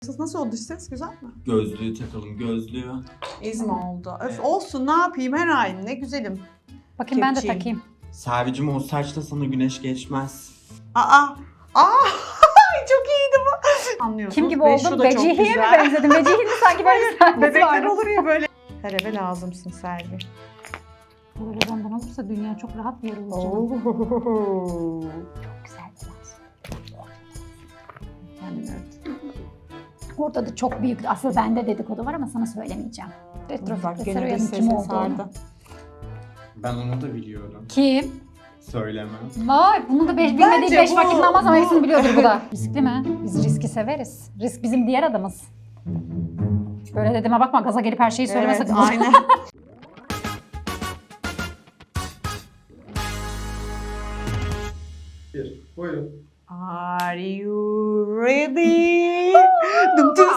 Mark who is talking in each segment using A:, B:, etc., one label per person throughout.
A: Nasıl oldu ses? Güzel mi?
B: Gözlüğü takalım, gözlüğü.
A: İzmi oldu. Öf,
B: Evet.
A: olsun, ne yapayım, her ay ne güzelim.
C: Bakayım ben de
A: Kepçeyim.
C: takayım.
B: Servicim o saçta sana güneş geçmez.
A: Aa! Çok iyiydi bu. Anlıyorsunuz.
C: Kim gibi
A: Ve şu
C: oldum?
A: da çok
C: Vecihi'ye mi
A: güzel.
C: benzedim? Vecihi'nin sanki böyle bir sahnesi
A: Bebekler
C: vardı.
A: olur ya böyle. Her eve lazımsın Selvi.
C: Böyle benden olursa dünya çok rahat bir yer olacak.
A: Oo.
C: Çok güzel bir dans.
A: Evet.
C: Orada da çok büyük, aslında bende dedikodu var ama sana söylemeyeceğim.
A: Bak
C: Retrofit'te
A: gene de
C: Seroya'nın kim
A: sesi
C: olduğunu.
A: sardı.
B: Ben onu da biliyorum.
C: Kim?
B: Söylemem.
C: Vay, bunu da bilmediği 5
A: bu-
C: vakit namaz ama
A: bu-
C: hepsini biliyordur bu da. Riskli mi? Biz riski severiz. Risk bizim diğer adamız. Böyle dediğime bakma, gaza gelip her şeyi söyleme
A: Evet,
C: sakın.
A: aynen.
B: Buyurun.
A: Are you ready? Dım dım.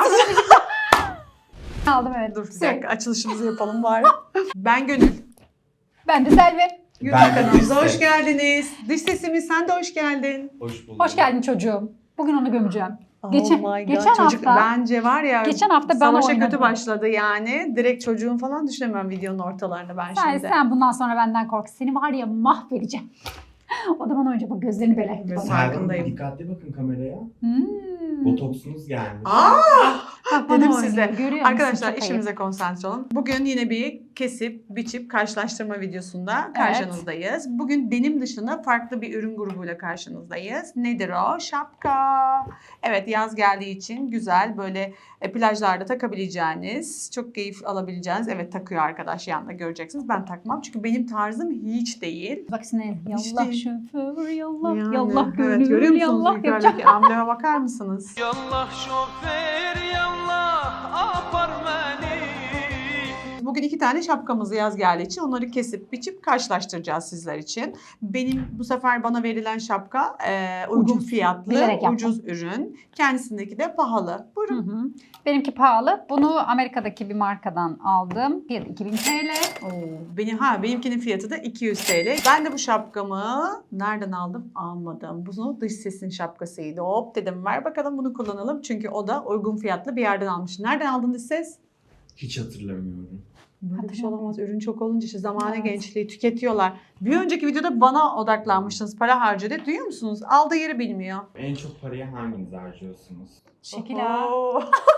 C: Aldım evet.
A: Dur bir dakika, açılışımızı yapalım bari. Ben Gönül.
C: Ben de Selvi.
A: YouTube
B: Ben de
A: kanalımıza
B: dış
A: hoş
B: ses.
A: geldiniz. Dış sesimiz, sen de hoş geldin.
B: Hoş bulduk.
C: Hoş geldin çocuğum. Bugün onu gömeceğim.
A: Oh
C: Geçen-
A: my God,
C: geçen
A: çocuk
C: hafta-
A: bence var ya,
C: Geçen hafta bana
A: savaşa
C: oynadı.
A: kötü başladı yani. Direkt çocuğun falan düşünemem videonun ortalarında ben şimdi.
C: Sen bundan sonra benden kork. Seni var ya mahvedeceğim. O da bana önce bak gözlerini bele.
A: Evet.
B: Selvi,
A: Farkındayım.
B: dikkatli bakın kameraya.
C: Hmm.
B: Botoksunuz gelmiş.
C: Bak bana
A: Dedim
C: oynuyor.
A: size.
C: Görüyor musun?
A: Arkadaşlar
C: Çok
A: işimize konsantre olun. Bugün yine bir kesip, biçip, karşılaştırma videosunda karşınızdayız. Bugün benim dışında farklı bir ürün grubuyla karşınızdayız. Nedir o? Şapka. Evet, yaz geldiği için güzel böyle plajlarda takabileceğiniz, çok keyif alabileceğiniz. Evet, takıyor arkadaş yanında, göreceksiniz. Ben takmam çünkü benim tarzım hiç değil.
C: Bak sinir.
A: İşte-
C: Yallah şoför yallah.
A: Yani,
C: Yallah
A: evet,
C: gönül
A: görüyor musunuz
C: yallah. Yapacak.
A: yukarıdaki ambleme bakar mısınız?
D: Yallah şoför yallah apar beni.
A: Bugün 2 tane şapkamızı yaz geldiği için onları kesip biçip karşılaştıracağız sizler için. Benim bu sefer bana verilen şapka uygun
C: Ucuz.
A: fiyatlı,
C: Bilerek yaptım.
A: ucuz ürün. Kendisindeki de pahalı.
C: Hı
A: Buyurun.
C: hı. Benimki pahalı. Bunu Amerika'daki bir markadan aldım. Fiyatı 2000 TL.
A: Benimkinin fiyatı da 200 TL. Ben de bu şapkamı nereden aldım? Almadım. Bu dış sesin şapkasıydı. Hop dedim, ver bakalım bunu kullanalım. Çünkü o da uygun fiyatlı bir yerden almış. Nereden aldın dış ses?
B: Hiç hatırlamıyorum.
A: Böyle bir şey olamaz. Ürün çok olunca işte zamane
C: Evet.
A: gençliği tüketiyorlar. Bir önceki videoda bana odaklanmıştınız. Para harcadı. Duyuyor musunuz? Aldığı yeri bilmiyor.
B: En çok parayı hanginiz harcıyorsunuz?
C: Şekil ha.
A: Oho.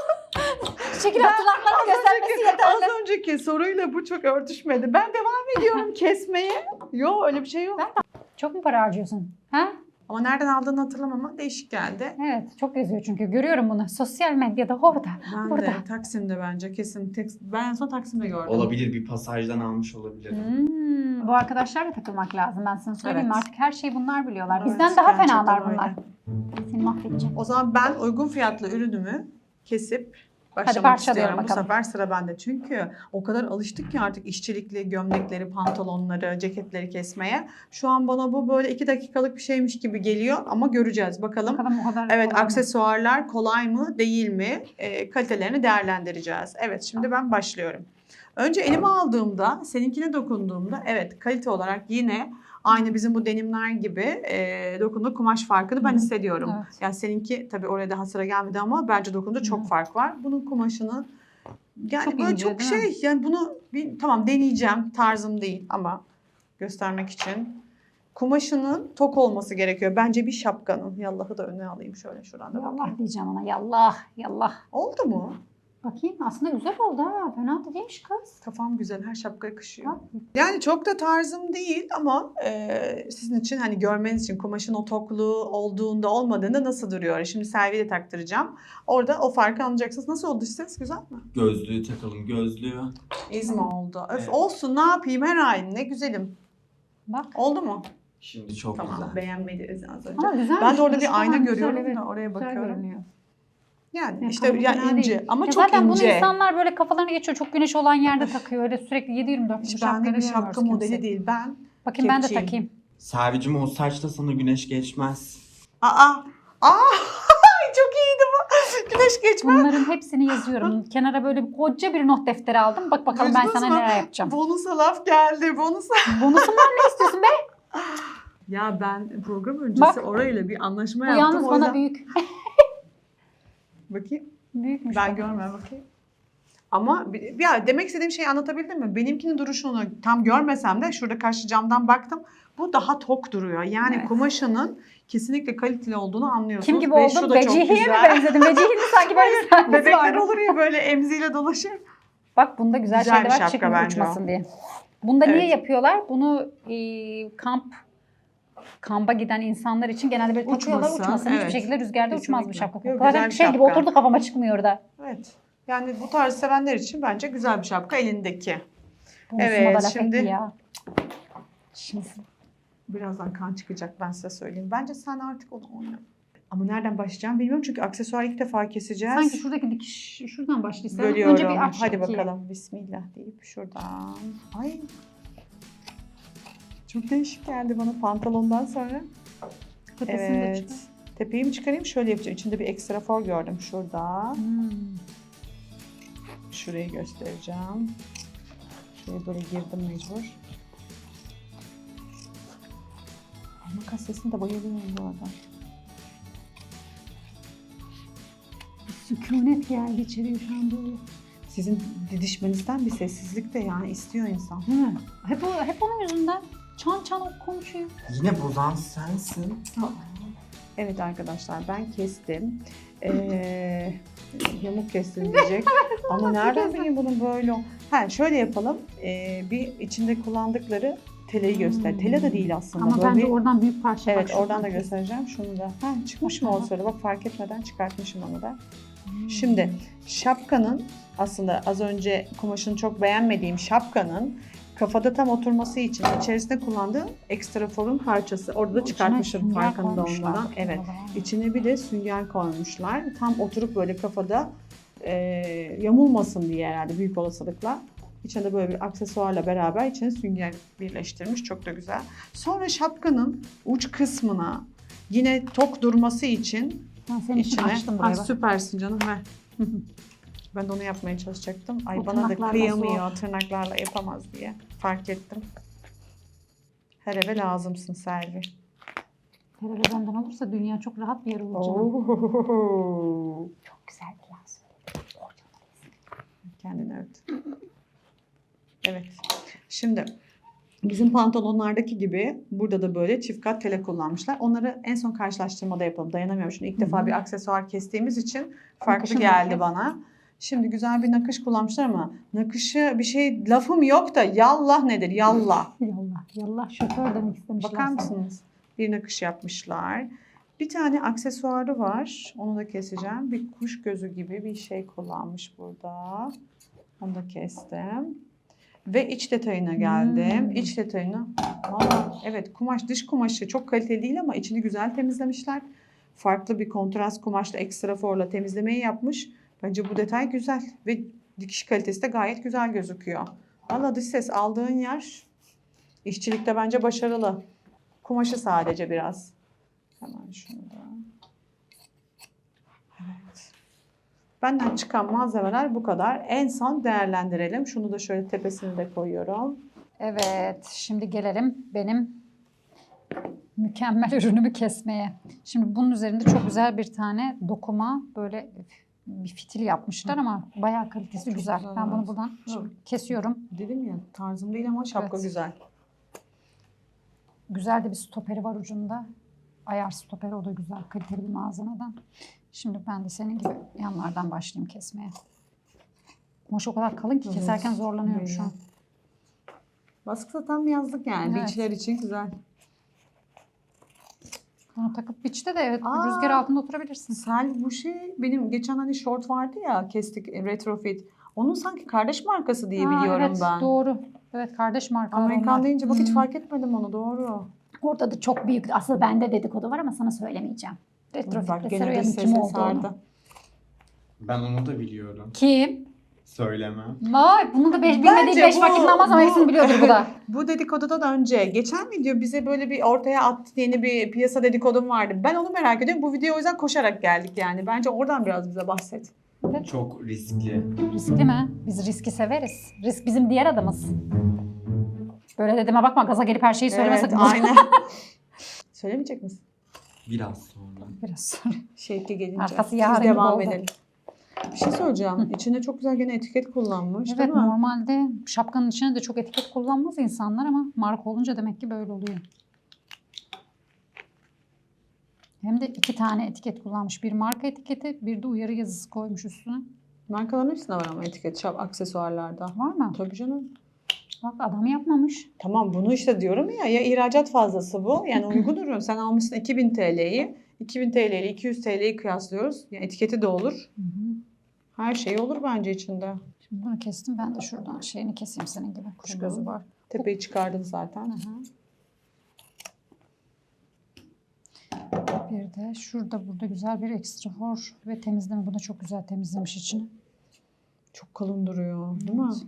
C: Şekil hatırlatmanı göstermesi yeterli.
A: Az önceki soruyla bu çok örtüşmedi. Ben devam ediyorum kesmeye. Yok, öyle bir şey yok.
C: Çok mu para harcıyorsun? Ha?
A: Ama nereden aldığını hatırlamam ama değişik geldi.
C: Evet, çok geziyor çünkü. Görüyorum bunu. Sosyal medyada orada.
A: Ben
C: Burada.
A: de Taksim'de bence kesin. Ben en son Taksim'de gördüm.
B: Olabilir, bir pasajdan almış olabilir.
C: Bu arkadaşlarla takılmak lazım. Ben sana söyleyeyim mi?
A: Evet.
C: Artık her şeyi bunlar biliyorlar.
A: Evet,
C: Bizden daha
A: gerçekten
C: fenalar
A: öyle.
C: bunlar. Seni mahvedeceğim.
A: O zaman ben uygun fiyatlı ürünümü kesip başlamak
C: parçalıyorum
A: istiyorum. Bu
C: bakalım.
A: sefer sıra bende. Çünkü o kadar alıştık ki artık işçilikli gömlekleri, pantolonları, ceketleri kesmeye. Şu an bana bu böyle 2 dakikalık bir şeymiş gibi geliyor ama göreceğiz. Bakalım.
C: Bakalım o kadar.
A: Evet,
C: kolay mı?
A: aksesuarlar kolay mı, değil mi? Kalitelerini değerlendireceğiz. Evet, şimdi ben başlıyorum. Önce elime aldığımda, seninkine dokunduğumda, evet kalite olarak yine aynı bizim bu denimler gibi dokunduğu kumaş farkını ben
C: Hı hı.
A: hissediyorum.
C: Evet.
A: Yani seninki tabii oraya daha sıra gelmedi ama bence dokunduğu çok
C: Hı.
A: fark var. Bunun kumaşını yani
C: Çok
A: böyle
C: ince,
A: çok
C: değil mi?
A: şey, yani bunu tamam deneyeceğim, tarzım değil ama göstermek için. Kumaşının tok olması gerekiyor. Bence bir şapkanın. Yallahı da öne alayım şöyle şuradan da bakayım.
C: Yallah diyeceğim ona. Yallah. Yallah.
A: Oldu mu?
C: Bakayım aslında güzel oldu ha. Fena da değilmiş kız.
A: Kafam güzel, her şapka yakışıyor. Yani çok da tarzım değil ama sizin için hani görmeniz için kumaşın o tokluğu olduğunda olmadığında nasıl duruyor? Şimdi Selvi'ye de taktıracağım. Orada o farkı anlayacaksınız. Nasıl oldu ses? Güzel mi?
B: Gözlüğü takalım, gözlüğü.
A: İzmi oldu. Öf,
B: Evet.
A: olsun, ne yapayım, her ay ne güzelim.
C: Bak.
A: Oldu mu?
B: Şimdi çok
A: Tamam,
B: güzel.
A: beğenmediniz az önce.
C: Ama güzelmiş.
A: Ben de orada
C: Duruşu
A: bir ayna
C: falan güzel,
A: görüyorum
C: evet.
A: da oraya
C: Güzel
A: bakıyorum.
C: görünüyor.
A: Yani
C: Ya,
A: işte
C: tamam,
A: yani
C: fena
A: ince
C: değil.
A: ama
C: Ya
A: çok
C: zaten
A: ince.
C: bunu insanlar böyle kafalarına geçiyor. Çok güneş olan yerde takıyor. Öyle sürekli 7-24
A: Hiç
C: şapka
A: bende bir şapka
C: göremiyoruz
A: modeli
C: kimse.
A: değil. Ben
C: Bakayım ben de
A: kepçeyim.
C: takayım.
B: Servicim o saçta sana güneş geçmez.
A: Çok iyiydi bu. Güneş geçmez.
C: Bunların hepsini yazıyorum. Kenara böyle koca bir not defteri aldım. Bak bakalım ben
A: Duydunuz
C: sana
A: mu?
C: neler yapacağım.
A: Bonusa laf geldi. Bonusa.
C: Bonusum var, ne istiyorsun be?
A: Ya ben program öncesi
C: Bak.
A: orayla bir anlaşma
C: Bu
A: yaptım.
C: yalnız
A: O
C: bana
A: yüzden-
C: büyük.
A: Bakayım.
C: Büyükmüş.
A: Ben
C: bak.
A: görmüyorum bakayım. Ama ya demek istediğim şeyi anlatabildim mi? Benimkinin duruşunu tam görmesem de şurada karşı camdan baktım. Bu daha tok duruyor. Yani
C: Evet.
A: kumaşının kesinlikle kaliteli olduğunu anlıyorsunuz.
C: Kim gibi
A: Ve şu
C: oldum?
A: da çok
C: Becihi'ye mi
A: güzel.
C: benzedim? Becihi'nin sanki böyle bir sahnesi
A: Bebekler
C: vardı.
A: olur ya böyle emziğiyle dolaşır.
C: Bak bunda güzel,
A: Güzel
C: şeyler
A: bir
C: var
A: şapka
C: çıkmıyor
A: bence
C: uçmasın diye. Bunda niye
A: Evet.
C: yapıyorlar? Bunu kampa giden insanlar için genelde böyle takıyorlar
A: Uçmasın,
C: uçmasın.
A: evet.
C: Hiçbir şekilde rüzgarda uçmaz bu
A: Kesinlikle.
C: şapka.
A: Yok,
C: Zaten
A: güzel bir
C: şey gibi
A: şapka.
C: oturdu kafama çıkmıyor da.
A: Evet. Yani bu tarz sevenler için bence güzel bir şapka elindeki.
C: Bu
A: Evet,
C: da laf
A: şimdi-
C: etti ya. Şimdi
A: Birazdan kan çıkacak ben size söyleyeyim. Bence sen artık onu oyna. Ama nereden başlayacağım bilmiyorum çünkü aksesuar ilk defa keseceğiz.
C: sanki şuradaki dikiş şuradan başlayalım.
A: Bölüyorum.
C: Önce bir aç
A: Hadi
C: ikiye.
A: bakalım. Bismillah deyip şuradan. Ay. Çok değişik geldi bana pantolondan sonra.
C: Tepesini de
A: Evet.
C: çıkar.
A: Tepeyi mi çıkarayım? Şöyle yapacağım. İçinde bir ekstra for gördüm şurada. Şurayı göstereceğim. Şuraya böyle girdim mecbur. Makas sesine de bayılıyorum bu arada.
C: Sükunet geldi içeriye şu an böyle.
A: Sizin didişmenizden bir sessizlik de yani istiyor insan.
C: Değil mi? Hep onun yüzünden. Çan çan o konuşuyor.
B: Yine bozan sensin.
A: Evet arkadaşlar ben kestim. Yamuk kestim diyecek. Ama nereden bileyim bunun böyle? Şöyle yapalım. Bir içinde kullandıkları teleyi göster. Tele de değil aslında.
C: Ama
A: Böyle
C: bence
A: bir-
C: oradan büyük parça
A: Evet
C: var.
A: oradan da göstereceğim. Şunu da. Çıkmış mı o sırada? Bak fark etmeden çıkartmışım onu da.
C: Hmm.
A: Şimdi şapkanın aslında az önce kumaşını çok beğenmediğim şapkanın kafada tam oturması için içerisinde kullandığım ekstra forun parçası. Orada da çıkartmışım farkında olmadan. Evet. İçine bir de sünger koymuşlar. Tam oturup böyle kafada yamulmasın diye herhalde büyük olasılıkla. İçinde böyle bir aksesuarla beraber içine sünger birleştirmiş. Çok da güzel. Sonra şapkanın uç kısmına yine tok durması için
C: Ben senin için
A: içine.
C: açtım
A: Ay,
C: burayı. bak.
A: süpersin canım ver. Ben de onu yapmaya çalışacaktım. Ay
C: O
A: bana da
C: tırnaklarla
A: kıyamıyor tırnaklarla yapamaz diye. Fark ettim. Her eve lazımsın Selvi.
C: Her eve benden olursa dünya çok rahat bir yer olur canım.
A: Oo.
C: Çok güzel bir laf.
A: Kendini övdü. Evet. Şimdi bizim pantolonlardaki gibi burada da böyle çift kat tele kullanmışlar. Onları en son karşılaştırmada yapalım. Dayanamıyorum. Şimdi ilk defa bir aksesuar kestiğimiz için farklı
C: Nakışın
A: geldi
C: nakış.
A: bana. Şimdi güzel bir nakış kullanmışlar ama nakışı bir şey lafım yok da yallah nedir? Yallah.
C: Yallah. Yallah şoför demek istemişler.
A: Bakar
C: sana.
A: mısınız? Bir nakış yapmışlar. Bir tane aksesuarı var. Onu da keseceğim. Bir kuş gözü gibi bir şey kullanmış burada. Onu da kestim. Ve iç detayına geldim. İç detayına. Valla evet kumaş dış kumaşı çok kaliteli değil ama içini güzel temizlemişler. Farklı bir kontrast kumaşla ekstra forla temizlemeyi yapmış. Bence bu detay güzel. Ve dikiş kalitesi de gayet güzel gözüküyor. Valla dış ses aldığın yer işçilikte bence başarılı. Kumaşı sadece biraz. Hemen şunu da. Evet. Benden çıkan malzemeler bu kadar. En son değerlendirelim. Şunu da şöyle tepesini de koyuyorum.
C: Evet, şimdi gelelim benim mükemmel ürünümü kesmeye. Şimdi bunun üzerinde çok güzel bir tane dokuma, böyle bir fitil yapmışlar ama bayağı kalitesi
A: Çok
C: güzel.
A: güzel,
C: Ben bunu
A: evet.
C: buradan
A: Evet.
C: kesiyorum.
A: Dedim ya tarzım değil ama şapka
C: Evet.
A: güzel.
C: Güzel de bir stoperi var ucunda. Ayar stoperi, o da güzel, kaliteli bir malzemeden. Şimdi ben de senin gibi yanlardan başlayayım kesmeye. Kumaş o kadar kalın ki keserken zorlanıyorum şu an.
A: Baskı tam yazlık yani.
C: Evet.
A: Beachler için güzel.
C: Bunu takıp biçte de evet
A: Aa.
C: rüzgar altında oturabilirsin.
A: Sel bu şey benim geçen hani short vardı ya kestik retrofit. Onun sanki kardeş markası diye biliyorum
C: evet,
A: ben.
C: Doğru. Evet, kardeş markalar
A: Amerikan
C: onlar.
A: deyince bak hiç fark etmedim onu doğru.
C: Orada da çok büyük, aslında bende dedikodu var ama sana söylemeyeceğim.
A: Bak
C: Retrofit
A: gene
C: Seroya'nın
A: dış
C: kim
A: sese
C: olduğunu.
A: sardı.
B: Ben onu da biliyorum.
C: Kim?
B: Söylemem.
C: Vay, bunu da bilmediği 5
A: bu-
C: vakit namaz ama
A: bu-
C: hepsini biliyordur bu da.
A: Bu dedikodudan önce geçen video bize böyle bir ortaya attı, yeni bir piyasa dedikodum vardı. Ben onu merak ediyorum. Bu videoya o yüzden koşarak geldik yani. Bence oradan biraz bize bahset.
B: Çok riskli.
C: Riskli mi? Biz riski severiz. Risk bizim diğer adımız. Böyle dediğime bakma, gaza gelip her şeyi söyleme sakın.
A: aynen. Söylemeyecek misin?
B: Biraz sonra.
C: Biraz sonra.
A: Şevki gelince.
C: Arkası
A: Biz
C: yarın gibi
A: devam
C: oldu.
A: edelim. Bir şey söyleyeceğim. İçinde çok güzel gene etiket kullanmış
C: Evet,
A: değil mi?
C: normalde şapkanın içine de çok etiket kullanmaz insanlar ama marka olunca demek ki böyle oluyor. Hem de 2 tane etiket kullanmış. Bir marka etiketi, bir de uyarı yazısı koymuş üstüne.
A: Markaların hepsinde var ama etiket aksesuarlarda.
C: Var mı?
A: Tabii canım.
C: Bak adam yapmamış.
A: Tamam bunu işte diyorum ya ihracat fazlası bu. Yani uygun ürün. Sen almışsın 2000 TL'yi. 2000 TL ile 200 TL'yi kıyaslıyoruz. Yani etiketi de olur.
C: Hı hı.
A: Her şey olur bence içinde.
C: Şimdi bunu kestim. Ben de şuradan şeyini keseyim senin gibi. Kuş
A: Tamam.
C: gözü var.
A: Tepeyi çıkardın zaten.
C: Hı hı. Bir de burada güzel bir ekstra for ve temizleme. Bu da çok güzel temizlemiş içini.
A: Çok kalın duruyor değil mi?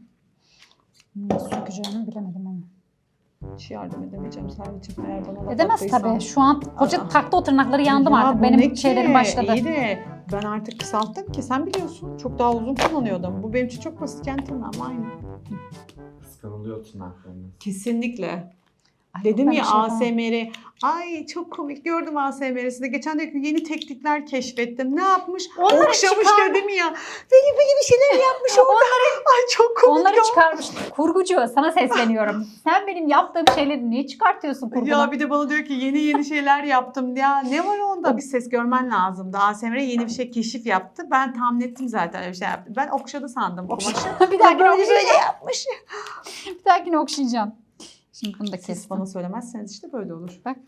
C: Nasıl sökeceğimi bilemedim ama.
A: Hiç yardım edemeyeceğim Servet'ciğim eğer bana laf
C: Edemez
A: attıysan.
C: tabii. Şu an koca
A: Aa.
C: taktı o tırnakları yandım
A: Ya
C: artık.
A: bu ne
C: Benim
A: ki?
C: şeylerim başladı.
A: İyi de ben artık kısalttım ki sen biliyorsun. Çok daha uzun kullanıyordum. Bu benim için çok basitken tırnağım aynı.
B: Kıskanılıyor tırnaklarınız.
A: Kesinlikle.
C: Ay,
A: Dedim
C: ben
A: ya
C: bir şey yapamam.
A: ASMR'i. Ay çok komik gördüm ASMR'sini. Geçen de yeni teknikler keşfettim. Ne yapmış?
C: Onları
A: Okşamış
C: çıkar.
A: dedim ya. Böyle bir şeyler yapmış orada. Ay çok komik
C: Onları
A: ya.
C: çıkarmış. Kurgucu sana sesleniyorum. Sen benim yaptığım şeyleri niye çıkartıyorsun kurguna?
A: Ya bir de bana diyor ki yeni şeyler yaptım. Ya ne var onda? Bir ses görmen lazımdı. ASMR yeni bir şey keşif yaptı. Ben tahmin ettim zaten öyle bir şey yaptı. Ben okşadı sandım kumaşı.
C: bir dahakine
A: Böyle
C: okşayacağım.
A: yapmış.
C: Bir dahakine okşayacağım. Şimdi bunu da
A: Siz
C: kestim.
A: bana söylemezseniz işte böyle olur.
C: Bak.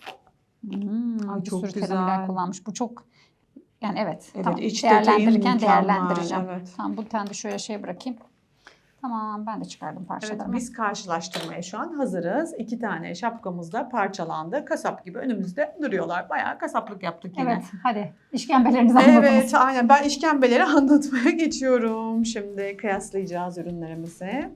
A: Ay,
C: Bir
A: çok
C: sürü
A: güzel.
C: terimler kullanmış. Bu çok yani evet.
A: Evet,
C: tamam.
A: iç detayı
C: Değerlendirirken
A: mükemmel,
C: değerlendireceğim.
A: evet.
C: Tamam bu tane de şöyle şey bırakayım. Tamam ben de çıkardım
A: Evet,
C: parçalarımı.
A: biz karşılaştırmaya şu an hazırız. 2 tane şapkamız da parçalandı. Kasap gibi önümüzde duruyorlar. Bayağı kasaplık yaptık yine.
C: Evet hadi işkembelerinizi anladınız.
A: Evet, aynen. Ben işkembeleri anlatmaya geçiyorum. Şimdi kıyaslayacağız ürünlerimizi.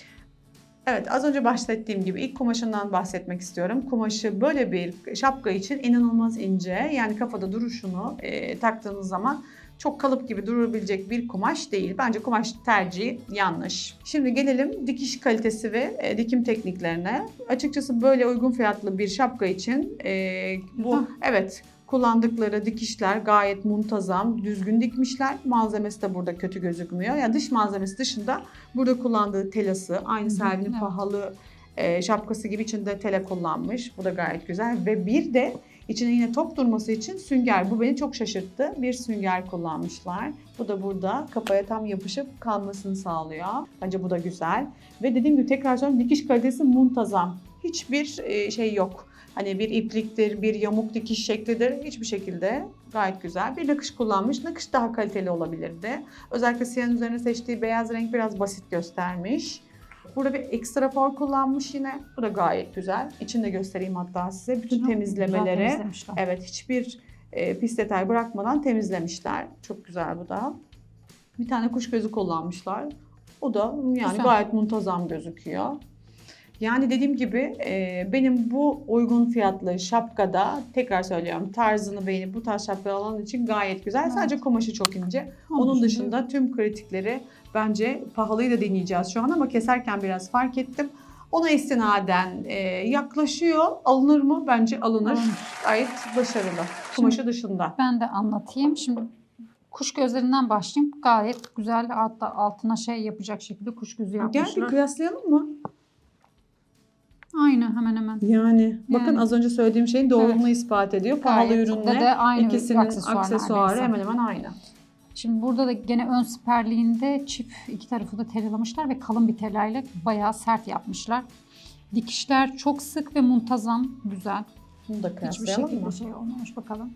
A: Evet, az önce bahsettiğim gibi ilk kumaşından bahsetmek istiyorum. Kumaşı böyle bir şapka için inanılmaz ince. Yani kafada duruşunu taktığınız zaman çok kalıp gibi durabilecek bir kumaş değil. Bence kumaş tercihi yanlış. Şimdi gelelim dikiş kalitesi ve dikim tekniklerine. Açıkçası böyle uygun fiyatlı bir şapka için bu evet kullandıkları dikişler gayet muntazam, düzgün dikmişler. Malzemesi de burada kötü gözükmüyor. Yani dış malzemesi dışında burada kullandığı telası, aynı Selvi'nin
C: evet.
A: pahalı şapkası gibi içinde tela kullanmış. Bu da gayet güzel. Ve bir de içine yine tok durması için sünger. Bu beni çok şaşırttı. Bir sünger kullanmışlar. Bu da burada kafaya tam yapışıp kalmasını sağlıyor. Bence bu da güzel. Ve dediğim gibi tekrar söylüyorum dikiş kalitesi muntazam. Hiçbir şey yok. Hani bir ipliktir, bir yamuk dikiş şeklidir. Hiçbir şekilde gayet güzel. Bir nakış kullanmış. Nakış daha kaliteli olabilirdi. Özellikle siyahın üzerine seçtiği beyaz renk biraz basit göstermiş. Burada bir ekstra for kullanmış yine. Bu da gayet güzel. İçini de göstereyim hatta size. Bütün
C: Çok
A: temizlemeleri.
C: güzel temizlemişler.
A: Evet, hiçbir pis detay bırakmadan temizlemişler. Çok güzel bu da. Bir tane kuş gözü kullanmışlar. O da yani
C: Güzel.
A: gayet muntazam gözüküyor. Yani dediğim gibi benim bu uygun fiyatlı şapkada tekrar söylüyorum tarzını beğenip bu tarz şapka alan için gayet güzel.
C: Evet.
A: Sadece kumaşı çok ince.
C: Onun
A: Onun
C: dışında-
A: dışında tüm kritikleri bence pahalıyı da deneyeceğiz şu an ama keserken biraz fark ettim. Ona istinaden yaklaşıyor. Alınır mı? Bence alınır.
C: Alınır.
A: Gayet başarılı. Kumaşı dışında.
C: Ben de anlatayım. Şimdi kuş gözlerinden başlayayım. Gayet güzel hatta altına şey yapacak şekilde kuş gözü
A: Gel bir
C: yapmışlar.
A: kıyaslayalım mı?
C: Aynı hemen hemen.
A: Yani bakın
C: Yani.
A: az önce söylediğim şeyin doğruluğunu
C: Evet.
A: ispat ediyor. Pahalı
C: Gayet
A: ürünle
C: de aynı
A: ikisinin aksesuarı
C: neredeyse.
A: hemen hemen aynı.
C: Şimdi burada da gene ön siperliğinde çift iki tarafı da telalamışlar ve kalın bir telayla bayağı sert yapmışlar. Dikişler çok sık ve muntazam, güzel.
A: Bunu da
C: Hiçbir
A: kıyaslayalım
C: şekilde
A: mı?
C: şey olmamış bakalım.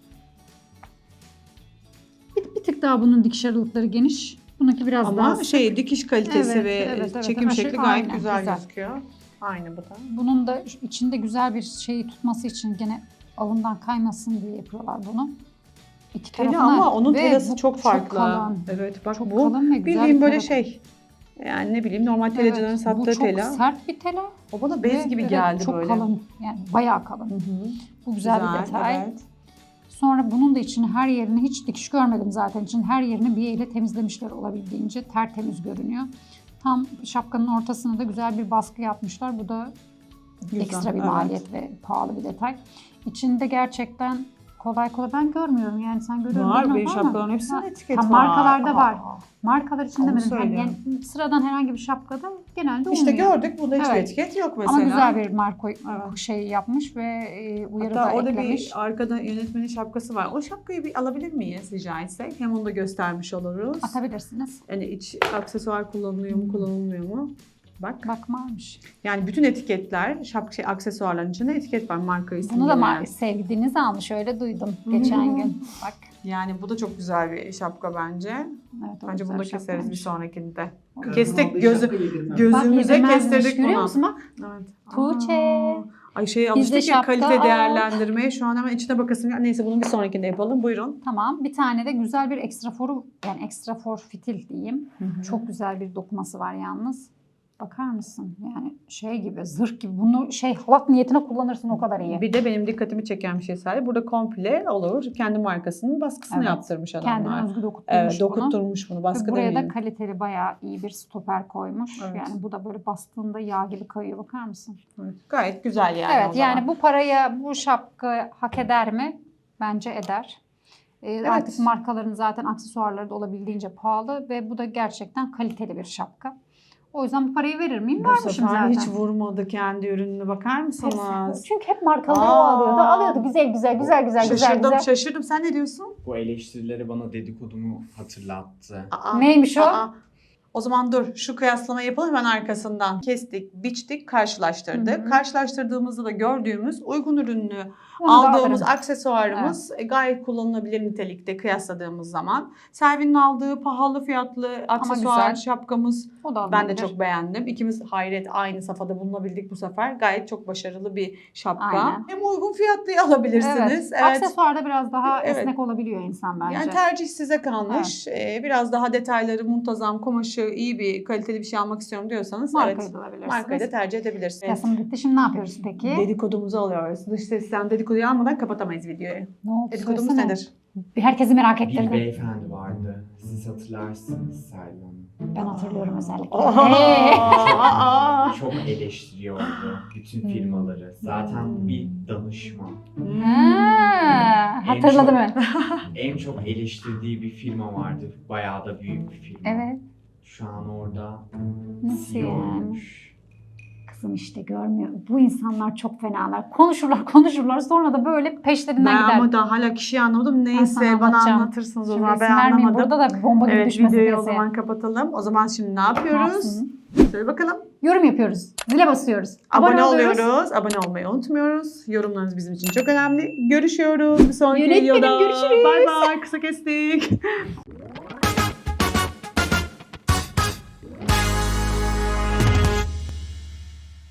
C: Bir tık daha bunun dikiş aralıkları geniş. Bununki biraz daha
A: Ama
C: sık.
A: şey dikiş kalitesi
C: Evet,
A: ve
C: evet,
A: çekim
C: aşırı-
A: şekli gayet
C: aynen,
A: güzel,
C: güzel.
A: gözüküyor. Aynı bu da.
C: Bunun da içinde güzel bir şeyi tutması için gene alından kaymasın diye yapıyorlar bunu. İki
A: Tela
C: tarafına
A: ama onun
C: ve
A: telası
C: bu
A: çok farklı.
C: kalın.
A: Evet bak
C: Çok
A: bu
C: kalın ve güzel
A: bildiğin
C: bir
A: böyle
C: tela.
A: şey. Yani ne bileyim normal telacıların
C: Evet,
A: sattığı
C: bu çok
A: tela.
C: sert bir tela.
A: O bana bez
C: ve
A: gibi
C: evet,
A: geldi
C: çok
A: böyle.
C: kalın. Yani bayağı kalın.
A: Hı hı.
C: Bu güzel, bir detay.
A: Evet.
C: Sonra bunun da içini her yerini hiç dikiş görmedim zaten. İçin her yerini bir elle temizlemişler olabildiğince. Tertemiz görünüyor. Tam şapkanın ortasına da güzel bir baskı yapmışlar. Bu da
A: Güzel,
C: ekstra bir
A: evet.
C: maliyet ve pahalı bir detay. İçinde gerçekten Kolay kolay ben görmüyorum yani sen görüyor musun?
A: Var
C: bilmiyorum
A: benim
C: ama-
A: şapkaların hepsinde
C: Ha,
A: etiket
C: ha,
A: var.
C: markalarda var.
A: Aa.
C: Markalar için
A: Onu
C: demedim.
A: söylüyorum.
C: Yani sıradan herhangi bir şapkada genelde
A: İşte
C: olmuyor.
A: gördük bunda hiçbir
C: Evet.
A: etiket yok mesela.
C: Ama güzel bir marka
A: Evet.
C: şey yapmış ve uyarı
A: Hatta
C: da
A: orada
C: eklemiş.
A: bir arkada yönetmenin şapkası var. O şapkayı bir alabilir miyiz rica etsek? Hem onu da göstermiş oluruz.
C: Atabilirsiniz.
A: Yani iç aksesuar kullanılıyor mu kullanılmıyor mu? Bak.
C: Bak varmış.
A: Yani bütün etiketler, aksesuarların içinde etiket var marka isimli.
C: Bunu da
A: veren.
C: sevdiğiniz almış öyle duydum geçen gün. Bak.
A: Yani bu da çok güzel bir şapka bence.
C: Evet, o
A: Bence
C: güzel
A: bunu da keseriz bir
C: şapkaymış.
A: sonrakinde.
C: Kestik,
A: Kestik
B: Aldığı
A: gözü,
B: şapka yedirmem.
A: gözümüze
C: Bak, yedirmezmiş.
A: kestirdik
C: Görüyor
A: bunu.
C: musun bak?
A: Evet.
C: Tuğçe.
A: Aa. Ay
C: Bizde
A: alıştık ya
C: şapka
A: kalite
C: al.
A: değerlendirmeye. Şu an hemen içine bakasım. Neyse bunun bir sonrakinde yapalım. Buyurun.
C: Tamam. Bir tane de güzel bir ekstraforu yani ekstrafor fitil diyeyim. Çok güzel bir dokuması var yalnız. Bakar mısın? Yani şey gibi, zırh gibi. Bunu halat niyetine kullanırsın o kadar iyi.
A: Bir de benim dikkatimi çeken bir şey sadece. Burada komple olur. Kendi markasının baskısını
C: Evet.
A: yaptırmış adamlar.
C: Kendine özgü dokutturmuş
A: Evet,
C: bunu.
A: dokutturmuş bunu.
C: Ve
A: Baskı
C: buraya da
A: demeyelim.
C: kaliteli bayağı iyi bir stoper koymuş.
A: Evet.
C: Yani bu da böyle bastığında yağ gibi kayıyor. Bakar mısın?
A: Evet, gayet güzel yani.
C: Evet
A: o zaman.
C: yani bu paraya bu şapka hak eder mi? Bence eder. Artık markaların zaten aksesuarları da olabildiğince pahalı ve bu da gerçekten kaliteli bir şapka. O yüzden bu parayı verir miyim?
A: Bu
C: Vermişim
A: sefer
C: zaten.
A: hiç vurmadı kendi ürününe bakar mısınız?
C: Çünkü hep markaları o
A: Aa.
C: alıyordu. Alıyordu güzel.
A: Şaşırdım. Sen ne diyorsun?
B: Bu eleştirileri bana dedikodumu hatırlattı.
C: Aa. Neymiş o?
A: O zaman dur şu kıyaslamayı yapalım hemen arkasından. Kestik, biçtik, karşılaştırdık.
C: Hı hı.
A: Karşılaştırdığımızda da gördüğümüz uygun ürünlü
C: Onu da
A: aldığımız
C: alırım.
A: aksesuarımız gayet kullanılabilir nitelikte kıyasladığımız zaman. Selvi'nin aldığı pahalı fiyatlı aksesuar
C: güzel.
A: şapkamız
C: O da
A: ben de
C: alınabilir.
A: çok beğendim. İkimiz hayret aynı safhada bulunabildik bu sefer. Gayet çok başarılı bir şapka.
C: Aynen.
A: Hem uygun fiyatlıyı alabilirsiniz.
C: Evet. Aksesuarda biraz daha
A: Evet.
C: esnek olabiliyor insan bence.
A: Yani tercih size kalmış. Biraz daha detayları muntazam, kumaşı iyi bir kaliteli bir şey almak istiyorum diyorsanız
C: Markayı da alabilirsiniz.
A: markayı da tercih edebilirsiniz.
C: Kıyasım bitti. Şimdi ne yapıyoruz peki?
A: Dedikodumuzu alıyoruz. Dış sesten dedikoduyu almadan kapatamayız videoyu.
C: Ne oldu?
A: Dedikodumuz
C: Söylesene.
A: nedir?
C: Herkesi merak
B: Bir
C: ettirdim.
B: beyefendi vardı. Siz hatırlarsınız Selvi Hanım.
C: Ben hatırlıyorum özellikle.
A: Aa!
B: Çok eleştiriyordu bütün firmaları. Zaten bir danışman.
C: Ha, hatırladım ben.
B: En çok eleştirdiği bir firma vardı. Bayağı da büyük bir firma.
C: Evet.
B: Şu an orada
C: Nasıl
B: CEO
C: yani?
B: olmuş.
C: Kızım işte görmüyor. Bu insanlar çok fenalar. Konuşurlar sonra da böyle peşlerinden
A: Ben
C: gider.
A: ama daha hala kişiyi anlamadım.
C: sana
A: Neyse bana
C: anlatacağım.
A: anlatırsınız o
C: Şimdi
A: zaman. Ben
C: isim vermeyeyim.
A: anlamadım.
C: Burada da bomba gibi
A: Evet
C: düşmesin
A: videoyu o
C: piyasaya.
A: zaman kapatalım. O zaman şimdi ne
C: Ne
A: yapıyoruz?
C: yapsın?
A: Söyle bakalım.
C: Yorum yapıyoruz. Zile basıyoruz.
A: Abone
C: oluyoruz.
A: oluyoruz. Abone olmayı unutmuyoruz. Yorumlarınız bizim için çok önemli. Görüşüyoruz. Bir sonraki
C: Yönetmenim,
A: videoda.
C: görüşürüz.
A: Bay bay. Kısa kestik.